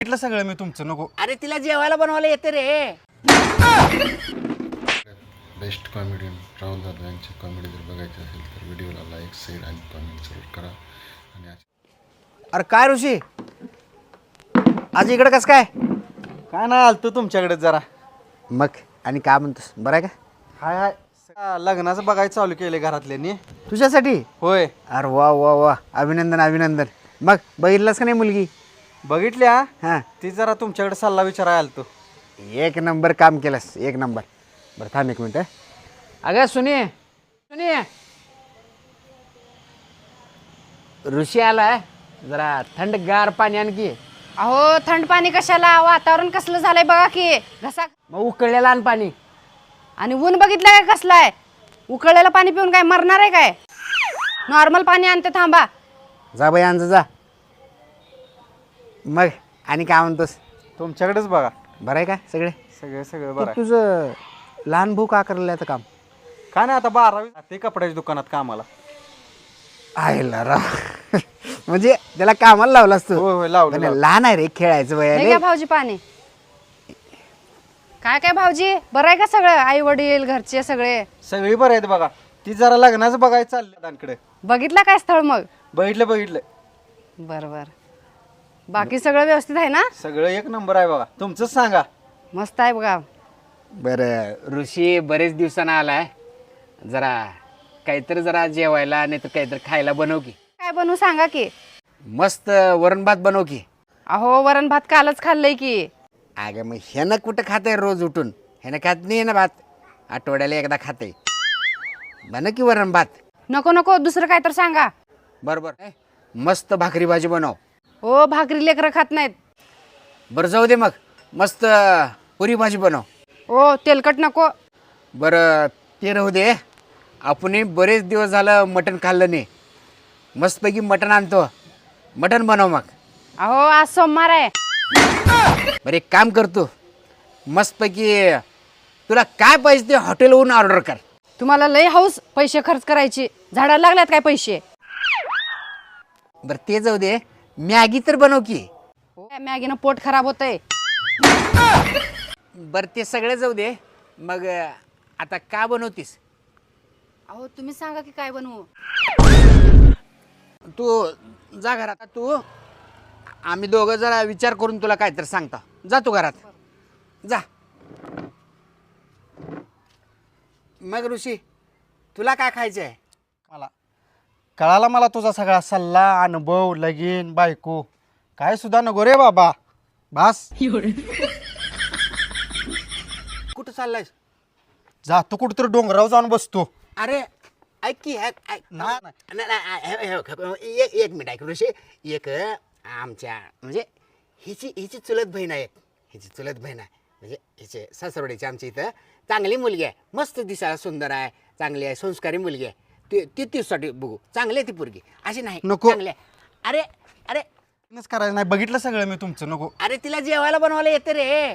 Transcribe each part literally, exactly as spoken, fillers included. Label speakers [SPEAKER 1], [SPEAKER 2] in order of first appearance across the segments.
[SPEAKER 1] म्हटलं सगळं मी तुमचं नको.
[SPEAKER 2] अरे तिला जेवायला बनवायला येते रे.
[SPEAKER 3] बेस्ट कॉमेडियन राहुल दादा यांची कॉमेडी जर बघायची असेल तर व्हिडिओला लाईक शेअर आणि कॉमेंट जरूर करा. आणि
[SPEAKER 1] अरे काय ऋषी आज इकडे कस काय?
[SPEAKER 4] काय नाही आलतो तुमच्याकडे जरा.
[SPEAKER 1] मग आणि काय म्हणतोस, बरं आहे का?
[SPEAKER 4] हाय हाय हा, लग्नाचं बघायचं चालू केले घरातल्यांनी.
[SPEAKER 1] तुझ्यासाठी?
[SPEAKER 4] होय
[SPEAKER 1] अरे वा वा वा, अभिनंदन अभिनंदन. मग बघितलंस का नाही मुलगी?
[SPEAKER 4] बघितल्या.
[SPEAKER 1] हां,
[SPEAKER 4] ती जरा तुमच्याकडे सल्ला विचारायला आलतो.
[SPEAKER 1] एक नंबर काम केलंस, एक नंबर. बरं थांब एक मिनटं. अगं सुने सुने, ऋषी आलाय, जरा थंडगार पाणी आणखी.
[SPEAKER 5] अहो थंड पाणी कशाला, वातावरण कसलं झालंय बघा की. घसा
[SPEAKER 1] मग उकळलेलं आण पाणी.
[SPEAKER 5] आणि ऊन बघितलं काय कसलं आहे. उकळलेलं पाणी पिऊन काय मरणार आहे काय? नॉर्मल पाणी आणते, थांबा.
[SPEAKER 1] जा बाई आण जा. मग आणि काय म्हणतोस?
[SPEAKER 4] तुमच्याकडेच बघा.
[SPEAKER 1] बरं आहे का सगळे?
[SPEAKER 4] सगळं सगळं
[SPEAKER 1] ते
[SPEAKER 4] बरं आहे.
[SPEAKER 1] तुझं लहान भाऊ का करायला आता काम?
[SPEAKER 4] काय नाही आता बारावी ते कपड्याच्या दुकानात कामाला.
[SPEAKER 1] आयला राव म्हणजे त्याला कामाला लावलास तू?
[SPEAKER 4] होय होय लावलं
[SPEAKER 1] पण
[SPEAKER 4] लावलं.
[SPEAKER 1] लहान आहे रे, खेळायचं वय
[SPEAKER 5] हे
[SPEAKER 1] आहे
[SPEAKER 5] घ्या
[SPEAKER 1] रे.
[SPEAKER 5] भाऊजी पाणी. काय काय भाऊजी, बरं आहे का सगळं? आई वडील घरचे सगळे
[SPEAKER 4] सगळी बरं आहेत बघा. ती जरा लग्नाचं बघायचं चाललं दादांकडे.
[SPEAKER 5] बघितलं काय स्थळ मग?
[SPEAKER 4] बघितलं बघितलं
[SPEAKER 5] बरं बरं. बाकी सगळं व्यवस्थित आहे ना?
[SPEAKER 4] सगळं एक नंबर आहे बघा. तुमचंच सांगा.
[SPEAKER 5] मस्त आहे बघा.
[SPEAKER 1] बरं ऋषी बरेच दिवसानं आलाय, जरा काहीतरी जरा जेवायला नाही तर काहीतरी खायला बनव की.
[SPEAKER 5] काय बनवू सांगा की.
[SPEAKER 1] मस्त वरण भात बनव की.
[SPEAKER 5] अहो वरण भात कालच खाल्लंय की.
[SPEAKER 1] अगं मग ह्यानं कुठं खाते रोज उठून? ह्यानं खात नाही ना भात, आठवड्याला एकदा खाते. बन की वरण भात.
[SPEAKER 5] नको नको, दुसरं काय तर सांगा.
[SPEAKER 1] बरोबर. मस्त भाकरी भाजी बनव.
[SPEAKER 5] हो भाकरी लेकरं खात नाहीत.
[SPEAKER 1] बरं जाऊ दे, मग मस्त पुरी भाजी बनव.
[SPEAKER 5] हो तेलकट नको.
[SPEAKER 1] बरं ते राहू दे. आपण बरेच दिवस झालं मटण खाल्लं नाही, मस्तपैकी मटण आणतो, मटण बनव मग.
[SPEAKER 5] अहो आज सोमवार आहे.
[SPEAKER 1] बरं एक काम करतो, मस्तपैकी तुला काय पाहिजे ते हॉटेलवरून ऑर्डर कर.
[SPEAKER 5] तुम्हाला लय हाऊस पैसे खर्च करायची, झाडाला लागल्यात काय पैसे?
[SPEAKER 1] बरं ते जाऊ दे, मॅगी तर बनव की.
[SPEAKER 5] मॅगीनं पोट खराब होतंय.
[SPEAKER 1] बरं ते सगळं जाऊ दे, मग आता का बनवतीस?
[SPEAKER 5] अहो तुम्ही सांगा की काय बनवू.
[SPEAKER 1] तू जा घरात. तू आम्ही दोघं जरा विचार करून तुला काय तर सांगता. जा तू घरात जा. मग ऋषी तुला काय खायचं आहे?
[SPEAKER 4] मला कळाला मला तुझा सगळा सल्ला, अनुभव, लगीन, बायको काय सुद्धा नको रे बाबा. बास.
[SPEAKER 1] कुठं चाललायस?
[SPEAKER 4] जा तू कुठं तर डोंगरावर जाऊन बसतो.
[SPEAKER 1] अरे ऐक की ऐक ऐक.
[SPEAKER 4] ना-
[SPEAKER 1] नाही, नाही, हे- हे- हे- एक एक मिनिट ऐक ऋषी. एक आमच्या म्हणजे हिची हिची चुलत बहीण आहे. हिची चुलत बहीण आहे म्हणजे हिचे सासरवडीची आमच्या इथं चांगली मुलगी आहे, मस्त दिसायला सुंदर आहे, चांगली आहे, संस्कारी मुलगी आहे. ती ती तीसाठी बघू. चांगली आहे ती पोरगी, अशी नाही.
[SPEAKER 4] नको.
[SPEAKER 1] चांगली आहे. अरे अरे
[SPEAKER 4] नच करायचं नाही. बघितलं सगळं मी तुमचं. नको.
[SPEAKER 1] अरे तिला जेवायला बनवायला येते रे.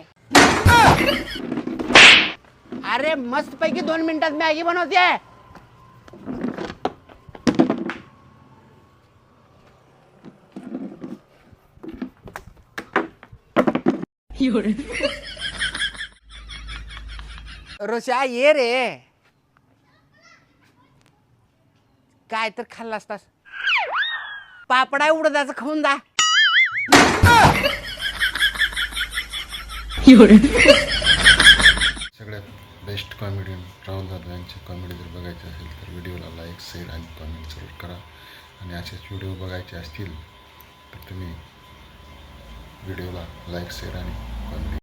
[SPEAKER 1] अरे मस्तपैकी दोन मिनिटात मॅगी बनवते. रोशा ये रे. काय तर खाल्ला असतास? पापडा उडदाचं खाऊन जा.
[SPEAKER 3] सगळ्यात बेस्ट कॉमेडियन राहुल दादा यांची कॉमेडी जर बघायची असेल तर व्हिडिओला लाईक शेअर आणि कॉमेंट जरूर करा. आणि असेच व्हिडिओ बघायचे असतील तर तुम्ही व्हिडिओला लाईक शेअर आणि कॉमेंट